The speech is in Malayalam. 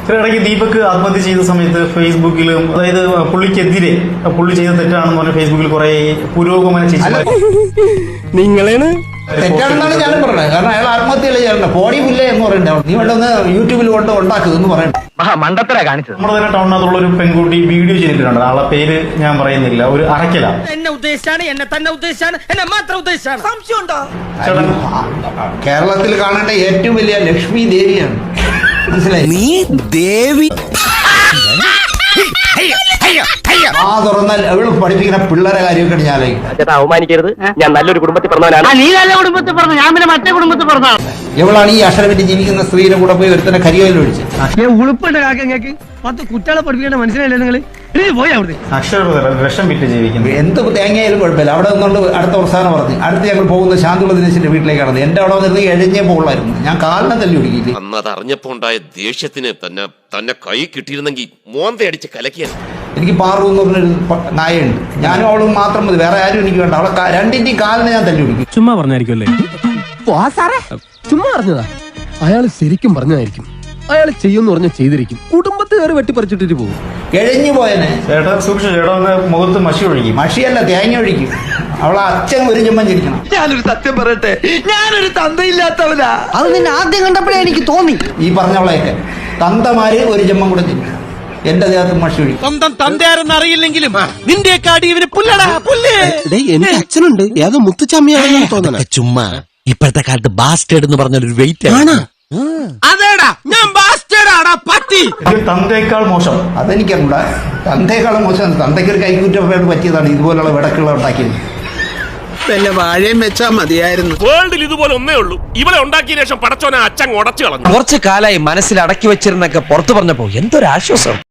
ഇടയ്ക്ക് ദീപക് ആത്മഹത്യ ചെയ്ത സമയത്ത് ഫേസ്ബുക്കിലും അതായത് പുള്ളിക്കെതിരെ പുള്ളി ചെയ്ത തെറ്റാണെന്ന് പറഞ്ഞ ഫേസ്ബുക്കിൽ കുറെ പുരോഗമന ചേച്ചി നിങ്ങളാണ് തെറ്റാണെന്നാണ് ഞാനും പറഞ്ഞത്. കാരണം അയാൾ ആത്മഹത്യയല്ലേ ചെയ്യണ്ട, പോടി പുല്ലേ എന്ന് പറയണ്ട, നീ വേണ്ടൊന്ന് യൂട്യൂബിൽ കൊണ്ട് ഉണ്ടാക്കുക എന്ന് പറയണ്ട. മണ്ടത്തര കാണിച്ചത്. നമ്മുടെ തന്നെ ടൗണിനകത്തുള്ള ഒരു പെൺകുട്ടി വീഡിയോ ചെയ്തിട്ടുണ്ട്. ആളെ പേര് ഞാൻ പറയുന്നില്ല, ഒരു അറക്കല. എന്നെ ഉദ്ദേശിച്ചാണ്, എന്നെ തന്നെ ഉദ്ദേശിച്ചാണ്, എന്നെ മാത്രം ഉദ്ദേശിച്ചാണ്. സംശയം ഉണ്ടോ? കേരളത്തിൽ കാണേണ്ട ഏറ്റവും വലിയ ലക്ഷ്മി ദേവിയാണ്, മനസ്സിലായി? നീ ദേവി ആ തുറന്നാൽ അവള് പഠിപ്പിക്കുന്ന പിള്ളേരെ കാര്യമൊക്കെ ഞാൻ ആലോചിക്കും. അവമാനിക്കരുത്, ഞാൻ നല്ലൊരു കുടുംബത്തിൽ പറഞ്ഞവനാണ്. നീ നല്ല കുടുംബത്തിൽ പറഞ്ഞു, ഞാൻ പിന്നെ മറ്റേ കുടുംബത്തിൽ പറഞ്ഞാണ്. എവളാണ് ഈ അക്ഷരപറ്റി ജീവിക്കുന്ന സ്ത്രീയുടെ കൂടെ പോയി ഒരുത്തന്നെ കരിയോയിൽ ഒഴിച്ച് ഉളുപ്പുണ്ട് കാക്കങ്ങൾക്ക് 10 കുട്ടികളെ പഠിപ്പിക്കേണ്ട മനസ്സിലായില്ലേ നിങ്ങൾ? പോയി അവിടെ വിഷം വിറ്റ് ജീവിക്കുന്നു. എന്ത് തേങ്ങയായാലും കുഴപ്പമില്ല. അവിടെ നിന്നുകൊണ്ട് അടുത്ത പ്രസ്ഥാനം പറഞ്ഞു. അടുത്ത് ഞങ്ങൾ പോകുന്ന ശാന്തുള്ള ദിനേശിന്റെ വീട്ടിലേക്കാണ്. എന്റെ അവിടെ വന്നിരുന്ന് എഴിഞ്ഞേ പോകുള്ളായിരുന്നു. ഞാൻ കാലിനെ തല്ലി ഒടുക്കിയില്ലേ. അന്ന് അത് അറിഞ്ഞപ്പോ ഉണ്ടായ ദേഷ്യത്തിന് തന്നെ കൈ കിട്ടിയിരുന്നെങ്കിൽ മോന്തയടിച്ച് കലക്കിയാൽ. എനിക്ക് പാറു എന്ന് പറഞ്ഞൊരു നായുണ്ട്. ഞാനും അവളും മാത്രം മതി, വേറെ ആരും എനിക്ക് വേണ്ട. അവളെ രണ്ടിന്റെയും കാലിനെ ഞാൻ തല്ലി ഒടുക്കി. ചുമ്മാ പറഞ്ഞായിരിക്കുമല്ലേ? ചുമ്മാ പറഞ്ഞതാ. അയാൾ ശരിക്കും പറഞ്ഞതായിരിക്കും. അയാൾ ചെയ്യുമെന്ന് പറഞ്ഞാൽ ചെയ്തിരിക്കും. കുടുംബത്തുകാർ വെട്ടിപ്പറിച്ചിട്ടിട്ട് പോകും. എഴഞ്ഞു പോയനെ ചേട്ടാ സൂക്ഷിച്ചു, ചേട്ടാ മുഖത്ത് മഷി ഒഴുകി. മഷിയല്ല, തേങ്ങ ഒഴിക്കും. അവളെ അച്ഛൻ ഒരു ചുമ്മൻ ചിരിക്കണം. ഞാനൊരു സത്യം പറയട്ടെ, ഞാനൊരു തന്തയില്ലാത്തവനാ. അത് നിന്നെ ആദ്യം കണ്ടപ്പോഴേ എനിക്ക് തോന്നി. ഈ പറഞ്ഞവളെയൊക്കെ തന്തമാര് ഒരു ചുമ്മൻ കൂടെ ചിരിക്കണം. എന്റെ ദേഹത്ത് മഷി ഒഴിക്കും. സ്വന്തം തന്തയാരെന്ന് അറിയില്ലെങ്കിലും നിന്റെ കാടി ഇവന് പുല്ലടാ പുല്ല്. എന്റെ അച്ഛനുണ്ട്, ഏതോ മുത്തുച്ചമ്മയാണെന്ന് തോന്നണ. ചുമ്മാ ഇപ്പോഴത്തെ കാലത്ത് ബാസ്റ്റേഡ് എന്ന് പറഞ്ഞൊരു വെയിറ്റ് ആണ്. അതേടാ, ഞാൻ ബാസ്റ്റേഡാടാ പട്ടി. തന്തേക്കാൾ മോശം അതെനിക്കറിഞ്ഞൂടാ. തന്തേക്കാളും മോശം. തന്തയ്ക്ക് ഒരു കൈക്കുറ്റം പറ്റിയതാണ് ഇതുപോലുള്ള വിടക്കുകൾ ഉണ്ടാക്കിയത്. വല്ല വാഴയും വെച്ചാ മതിയായിരുന്നു. വേൾഡിൽ ഇതുപോലെ ഒന്നേ ഉള്ളൂ. ഇവളെ ഉണ്ടാക്കിയ ശേഷം പടച്ചോനെ അച്ഛൻ ഉടച്ചു കളഞ്ഞു. കുറച്ചു കാലായി മനസ്സിൽ അടക്കി വെച്ചിരുന്നൊക്കെ പുറത്തു പറഞ്ഞപ്പോ എന്തൊരാശ്വാസം.